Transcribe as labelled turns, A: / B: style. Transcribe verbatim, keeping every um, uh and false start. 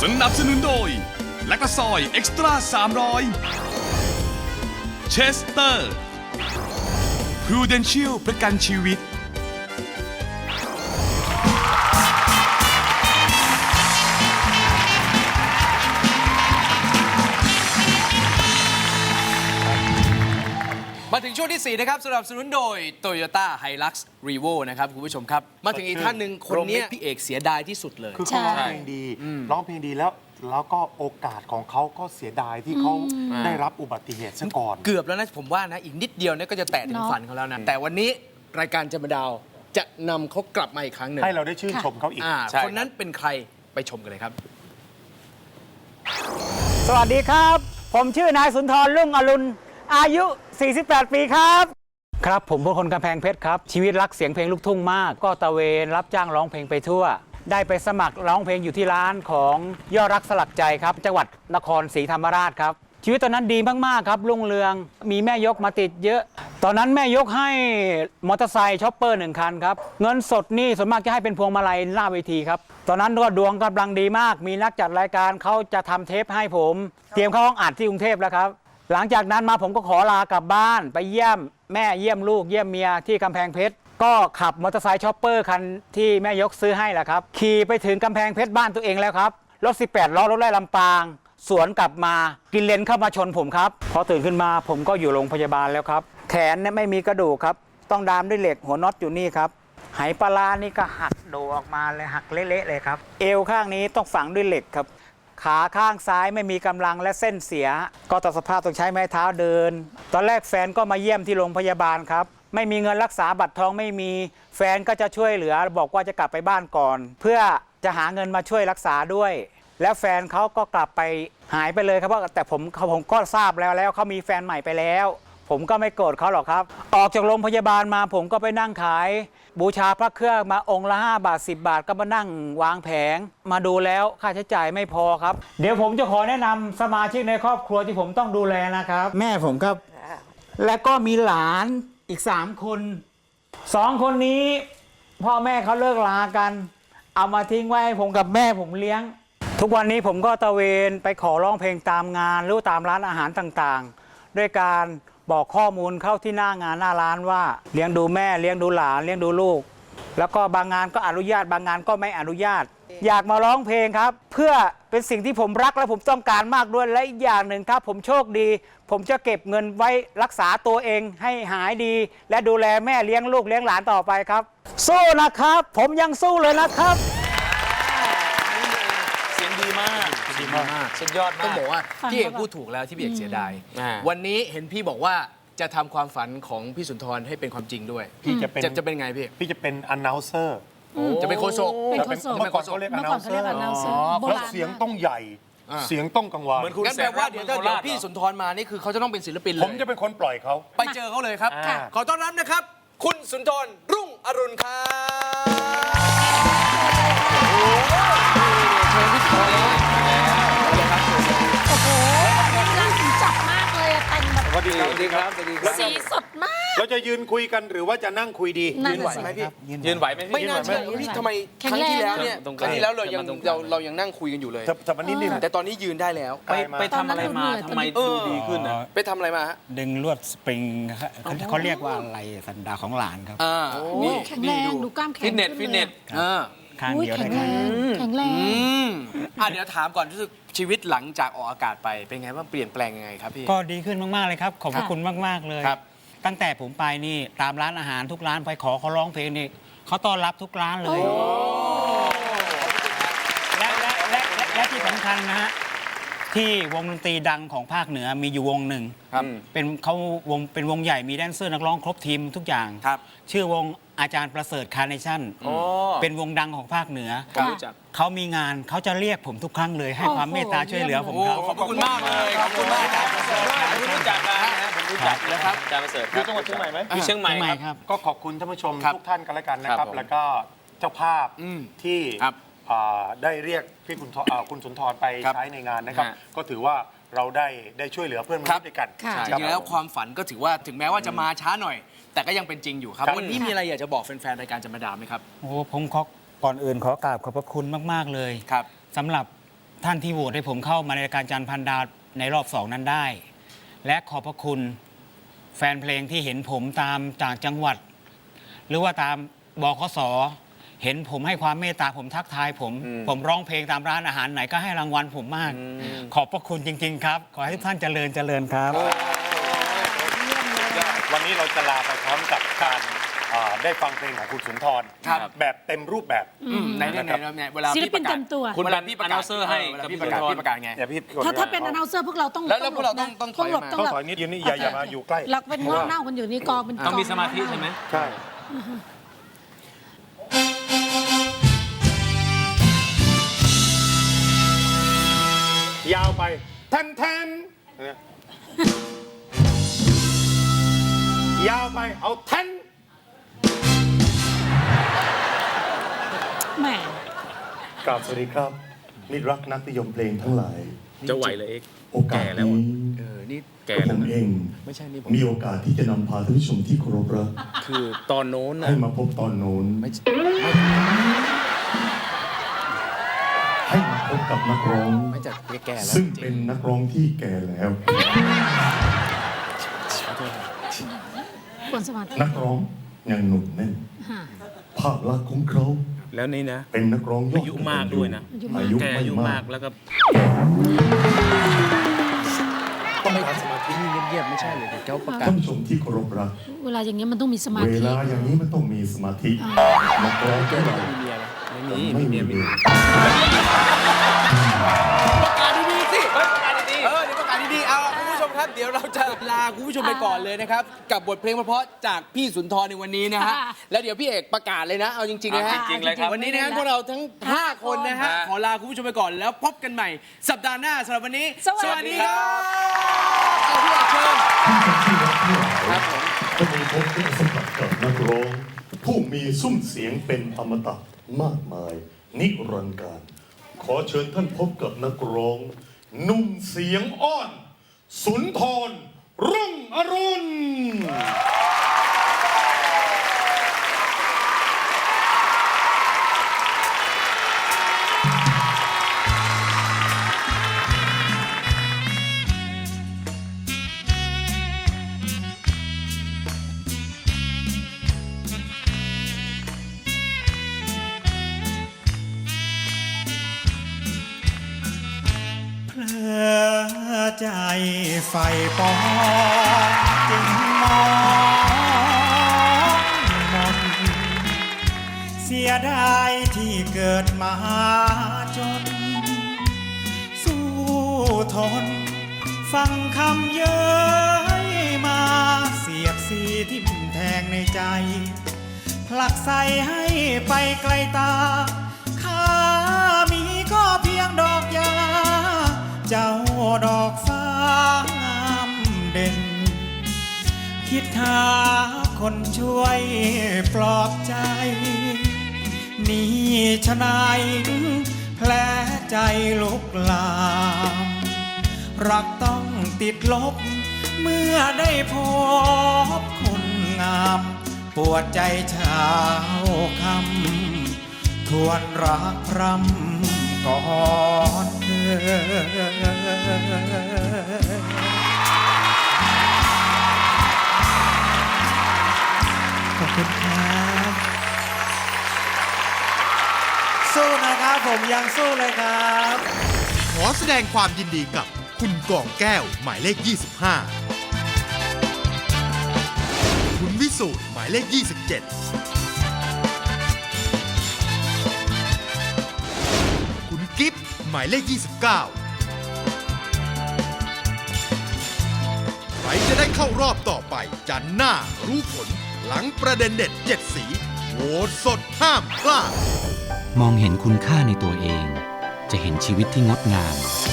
A: สนับสนุนโดยแลคตาซอยเอ็กซ์ตร้าสามร้อยเชสเตอร์พรูเดนเชียลประกันชีวิต
B: มาถึงช่วงที่สี่นะครับสนับสนุนโดย Toyota Hilux Revo นะครับคุณผู้ชมครับมาถึงอีกท่านหนึ่งคนนี้พี่เอกเสียดายที่สุดเลย
C: คือเขาร้องเพลงดีร้องเพลงดีแล้วแล้วก็โอกาสของเขาก็เสียดายที่เขาได้รับอุบัติเหตุซะก่อน
B: เกือบแล้วนะผมว่านะอีกนิดเดียวเนี่ยก็จะแตะถึงฝันเขาแล้วนะแต่วันนี้รายการจำดาวจะนำเขากลับมาอีกครั้งหนึ่ง
C: ให้เราได้ชื่นชมเขาอีก
B: อ่าคนนั้นเป็นใครไปชมกันเลยครับ
D: สวัสดีครับ ผมชื่อนายสุนทรรุ่งอรุณอายุ สี่สิบแปด ปีครับ ครับผมเป็นคนกำแพงเพชรครับ ชีวิตรักเสียงเพลงลูกทุ่งมาก ก็ตะเวนรับจ้างร้องเพลงไปทั่ว ได้ไปสมัครร้องเพลงอยู่ที่ร้านของยอดรักสลักใจครับ จังหวัดนครศรีธรรมราชครับ ชีวิตตอนนั้นดีมากๆครับรุ่งเรืองมีแม่ยกมาติดเยอะ ตอนนั้นแม่ยกให้มอเตอร์ไซค์ช็อปเปอร์หนึ่งคันครับเงินสดนี่ส่วนมากจะให้เป็นพวงมาลัยหน้าเวทีครับตอนนั้นก็ดวงกำลังดีมาก มีนักจัดรายการเขาจะทำเทปให้ผม เตรียมเข้าห้องอัดที่กรุงเทพแล้วครับหลังจากนั้นมาผมก็ขอลากลับบ้านไปเยี่ยมแม่เยี่ยมลูกเยี่ยมเมียที่กำแพงเพชรก็ขับมอเตอร์ไซค์ช็อปเปอร์คันที่แม่ยกซื้อให้แหละครับขี่ไปถึงกำแพงเพชรบ้านตัวเองแล้วครับรถสิบแปดล้อรถไล่ลำปางสวนกลับมากินเลนเข้ามาชนผมครับพอตื่นขึ้นมาผมก็อยู่โรงพยาบาลแล้วครับแขนเนี่ยไม่มีกระดูกครับต้องดามด้วยเหล็กหัวน็อตอยู่นี่ครับไหปลาร้านี่ก็หักโดออกมาเลยหักเละๆเลยครับเอวข้างนี้ต้องฝังด้วยเหล็กครับขาข้างซ้ายไม่มีกำลังและเส้นเสียก็ต่อสภาพต้องใช้ไม้เท้าเดินตอนแรกแฟนก็มาเยี่ยมที่โรงพยาบาลครับไม่มีเงินรักษาบัตรทองไม่มีแฟนก็จะช่วยเหลือบอกว่าจะกลับไปบ้านก่อนเพื่อจะหาเงินมาช่วยรักษาด้วยแล้วแฟนเขาก็กลับไปหายไปเลยครับเพราะแต่ผมผมก็ทราบแล้วแล้วเขามีแฟนใหม่ไปแล้วผมก็ไม่โกรธเขาหรอกครับออกจากโรงพยาบาลมาผมก็ไปนั่งขายบูชาพระเครื่องมาองค์ละห้าบาทสิบบาทก็มานั่งวางแผงมาดูแล้วค่าใช้จ่ายไม่พอครับเดี๋ยวผมจะขอแนะนำสมาชิกในครอบครัวที่ผมต้องดูแลนะครับแม่ผมครับและก็มีหลานอีกสามคนสองคนนี้พ่อแม่เขาเลิกลากันเอามาทิ้งไว้ให้ผมกับแม่ผมเลี้ยงทุกวันนี้ผมก็ตะเวนไปขอร้องเพลงตามงานหรือตามร้านอาหารต่างๆด้วยการบอกข้อมูลเข้าที่หน้างานหน้าร้านว่าเลี้ยงดูแม่เลี้ยงดูหลานเลี้ยงดูลูกแล้วก็บางงานก็อนุญาตบางงานก็ไม่อนุญาตอยากมาร้องเพลงครับเพื่อเป็นสิ่งที่ผมรักและผมต้องการมากด้วยและอีกอย่างหนึ่งครับผมโชคดีผมจะเก็บเงินไว้รักษาตัวเองให้หายดีและดูแลแม่เลี้ยงลูกเลี้ยงหลานต่อไปครับสู้นะครับผมยังสู้เลยนะครับ
B: เสียงดีมากดีมากสุดยอดมากต้องบอกว่าพี่เอกพูดถูกแล้วที่พี่เอกเสียดายวันนี้เห็นพี่บอกว่าจะทำความฝันของพี่สุนทรให้เป็นความจริงด้วย
C: พี่จะเป็น
B: จะเป็นไงพี่
C: พี่จะเป็น announcer
B: จะเป็นโฆษก
E: เป็นโฆษก
C: เมื่อก่อนเขาเรียก
E: เมื่อก่อนเขาเรียก
C: announcer
E: announcer โบ
C: แล้ว
E: ราณ
C: เสียงต้องใหญ่เสียงต้องกังวาน
B: งั้นแปลว่าเดี๋ยวถ้าเดี๋ยวพี่สุนทรมานี่คือเขาจะต้องเป็นศิลปินเลย
C: ผมจะเป็นคนปล่อยเขา
B: ไปเจอเขาเลยครับขอต้อนรับนะครับ คุณสุนทรรุ่งอรุณครับเชิญพี่สุนทรเลย
E: โอ้โหน่าสนจับมากเลยอะแต่งแบบ
C: สวัสดีครับสวัสดีครับ
E: สีสดมาก
C: เราจะยืนคุยกันหรือว่าจะนั่งคุยดี
E: นั่
B: ยื
E: น
B: นไหว
E: น่ะ
B: ไหม
E: สิ
B: พี่
F: ยืนไหวไหม
B: ไม่น่าเชื่อพี่ทำไมครั้งที่แล้วเนี่ย
F: ตรงก
B: ค
F: ลาง
B: รั้งที่แล้วเรายัง
F: ตรงกลาง
B: เราเรายังนั่งคุยกันอยู่เลย
C: แต่แต่วันนี้นี่
B: แต่ตอนนี้ยืนได้แล้ว
F: ไปไปทำอะไรมาทำไมดูดีขึ้นอ่ะ
B: ไปทำอะไรมาฮะ
D: ดึงลวดสปริงครับเขาเขาเรียกว่าอะไรสันดาปของหลานครับ
B: อ่า
E: โอ้
B: นี่
E: แข็งแรงดูกล้ามแข็ง
B: ฟิตเนส
E: ขึ้
B: ฟิต
E: ล
B: เน
E: ย
B: สอ่า
D: ข้าง
E: อุ้ย
D: เดียว
E: แข็
D: ได้
E: ง
D: ค
E: แร
D: รับ
E: งแข็งแรง
B: อืมอ่ะเดี๋ยวถามก่อนรู้สึกชีวิตหลังจากออกอากาศไปเป็นไงบ้างเปลี่ยนแปลงยังไงครับพี่
D: ก็ดีขึ้นมากๆเลยครับขอบพระคุณมากๆเลย
B: ครับ
D: ตั้งแต่ผมไปนี่ตามร้านอาหารทุกร้านไปขอเขาร้องเพลงนี่เขาต้อนรับทุกร้านเลยและและและและและที่สำคัญนะฮะที่วงดนตรีดังของภาคเหนือมีอยู่วงหนึ่ง
B: ครับ
D: เป็นเขาวงเป็นวงใหญ่มีแดนเซอร์นักร้องครบทีมทุกอย่าง
B: ครับ
D: ชื่อวงอาจารย์ประเสริฐคาร์เนชั่น
B: โอ้
D: เป็นวงดังของภาคเหนือ
B: ครับ
D: เขามีงานเขาจะเรียกผมทุกครั้งเลย ให้ความเมตตาช่วยเหลือผม
B: โอ้
D: ครับ
B: ขอบคุณมากเลยขอบคุณมากครับผมรู้จักนะฮะผมรู้จักนะครับ
F: อาจารย์ประเสริฐ
C: อยู่จังหวัดเชียงใหม่ไหม
F: อยู่เชียงใหม่
D: เชียงใหม่
F: ค
D: ครับ รับ
C: ก็ขอบคุณท่านผู้ชม
B: ครับ
C: ทุกท่านกันแล้วกันนะครับ
F: ครับผม
C: แล้วก็เจ้าภาพ
B: อืม
C: ที่
B: ครับ
C: อ่าได้เรียกพี่คุณทอ่าคุณสุนทรไป
B: ครับ
C: ใช้ในงานนะครับ
B: ฮะ
C: ก็ถือว่าเราได้ได้ช่วยเหลือเพื่อนมนุษย์ด้วยกัน
E: ค่ะ
B: จ
C: ครับ
B: ริงๆแล้วความฝันก็ถือว่าถึงแม้ว่าจะมาช้าหน่อย แต่ก็ยังเป็นจริงอยู่ครับ
C: ครับ
B: วันนี้มีอะไรอยากจะบอกแฟนๆรายการจำมาดามไหมครับ
D: โอ้ผมขอก่อนอื่นขอกราบขอบพระคุณมาก ๆ เลย
B: ครับ
D: สำหรับท่านที่โหวตให้ผมเข้ามาในรายการจันทร์พันดาวในรอบสองนั้นได้ และขอบพระคุณแฟนเพลงที่เห็นผมตามต่างจังหวัด หรือว่าตามบขสเห็นผมให้ความเมตตาผมทักทายผม ผมร้องเพลงตามร้านอาหารไหนก็ให้รางวัลผมมาก ขอบพระคุณจริง ๆ ครับ ขอให้ทุกท่านเจริญเจริญครับ
C: วันนี้เราจะลาไปพร้อมกับการอ่าได้ฟังเพลงของคุณสุนทร
B: ครับ
C: แบบเต็มรูปแบบ
B: อืมในในในในเวลา
E: ศิล
B: พี่
E: ปิ
B: ป
E: น
B: ระกาศ
E: เต็มตัว
B: คุณเวลาพี่ประกาศ
F: announcer ให้
B: เวลา
F: กับ
B: พี่
F: พี่
B: ประกาศ
F: สุนทร
B: พี่ประกาศไง
C: อย่าพี่กด
E: ถ้าถ้าเป็น
C: ไม่
E: อ
C: ได้
E: นา u เซอร์พวกเราต้อง
B: แล้วแล้วพวกเราต้อง
E: หลบนะ
B: ต้องถอย
E: หลบ
B: มา
E: ต้อง
C: ต้อง
E: หลบ
C: ถอยนิดยืนนี่อย่าอย่ามาอยู่ใกล้
E: เราเป็นง้อเน่ากันอยู่นี่กองเป็น
F: ต้องมี
E: ก
F: สมาธิใช่ไหม
C: ใช่ ยาวไปแทนแทนเนี่ยยาวไปเอาแทน
E: แหม
C: กราบสวัสดีครับมิตรรักนักนิยมเพลงทั้งหลาย
F: จะไหวเลยเอก
C: โอกาส
F: แก่แล้ว
C: นี้
F: อะ
B: เออนี่
F: แก่
C: ผ
F: แล้ว
C: ม
F: นะ
C: เอง
B: ไม่ใช่นี่ผม
C: มีโอกาสที่จะนำพาท่านผู้ชมที่เคารพรัก
F: คือตอนโน้นนะ
C: ให้มาพบตอนโน้น
B: ไม่ใช่
C: ให้มาพบกับนักร้อง
B: ไม่จะแก่ๆแล้ว
C: ซึ่งเป็นนักร้องที่แก่แล้ว
E: ควรสมาธิ
C: นักร้องยังหนุ่มแน่น
E: ค่ะ
C: ภาพลักษณ์ของเขา
F: แล้วนี่นะ
C: เป็นนักร้องยอด
F: อายุมากด้วยนะ
C: อายุ
F: แก
C: ไม่
F: อายุ
C: มาม
F: าก กแล้วก็
C: ต้องการสมาธิ
B: ที่เงียบๆไม่ใช่เลยเดี๋ยวเขาประกาศ
C: ท่านผู้ชมที่เคารพรัก
E: เวลาอย่างเงี้ยมันต้องมีสมา
C: เว
E: ธิ
C: ลาอย่างนี้มันต้องมีสมาธินักร้องแก่เรา
B: มีเมียไหมไม่มี
C: ไม่มี
B: เมีย
C: เมีย
B: ประกาศดีๆสิประกาศดีๆเออเดี๋ยวประกาศดีๆเอาคุณผู้ชมครับ เดี๋ยวเราจะลาคุณผู้ชมไปก่อนเลยนะครับ กับบทเพลงเพราะๆจากพี่สุนทรในวันนี้นะฮะ แล้วเดี๋ยวพี่เอกประกาศเลยนะ เอาจริงๆนะฮะ
F: จริงๆเลยครับ
B: วันนี้นะครับพวกเราทั้ง 5 คนนะฮะ ขอลาคุณผู้ชมไปก่อนแล้วพบกันใหม่ สัปดาห์หน้าสำหรับวันนี้
E: สวัสดีครับ
B: เอาพี่เอกเชิญ
C: ที่รักที่หลาย
B: ครับผม
C: จะมีพบได้สัมผัสกับนักร้อง ผู้มีซุ้มเสียงเป็นอมตะมากมาย นิรันดร์การ ขอเชิญท่านพบกับนักร้องหนุ่มเสียงอ้อน สุนทร รุ่งอรุณ
G: เพลอใจไฟปองจึงมองมนเสียดายที่เกิดมาจน สู้ทน ฟังคำเย้ยมาเสียดสีทิ่มแทงในใจ ผลักใส่ให้ไปไกลตา ข้ามีก็เพียงดอกยา เจ้าดอกฟ้างามเด่น คิดหาคนช่วยปลอบใจ นี่ชะนายแผลใจลุกลาม รักต้องติดลบ เมื่อได้พบคนงาม ปวดใจเช้าคำทวนรักพรำก่อนเธอ ขอบคุณครับ สู้นะครับผมยังสู้เลยครับ
H: ขอแสดงความยินดีกับคุณกองแก้วหมายเลข ยี่สิบห้า คุณวิสูตรหมายเลข ยี่สิบเจ็ด คุณกิฟต์หมายเลข ยี่สิบเก้า ใครจะได้เข้ารอบต่อไปจันทร์หน้ารู้ผลหลังประเด็นเด็ดเจ็ดสีโหวตสดห้ามพลาด
I: มองเห็นคุณค่าในตัวเอง จะเห็นชีวิตที่งดงาม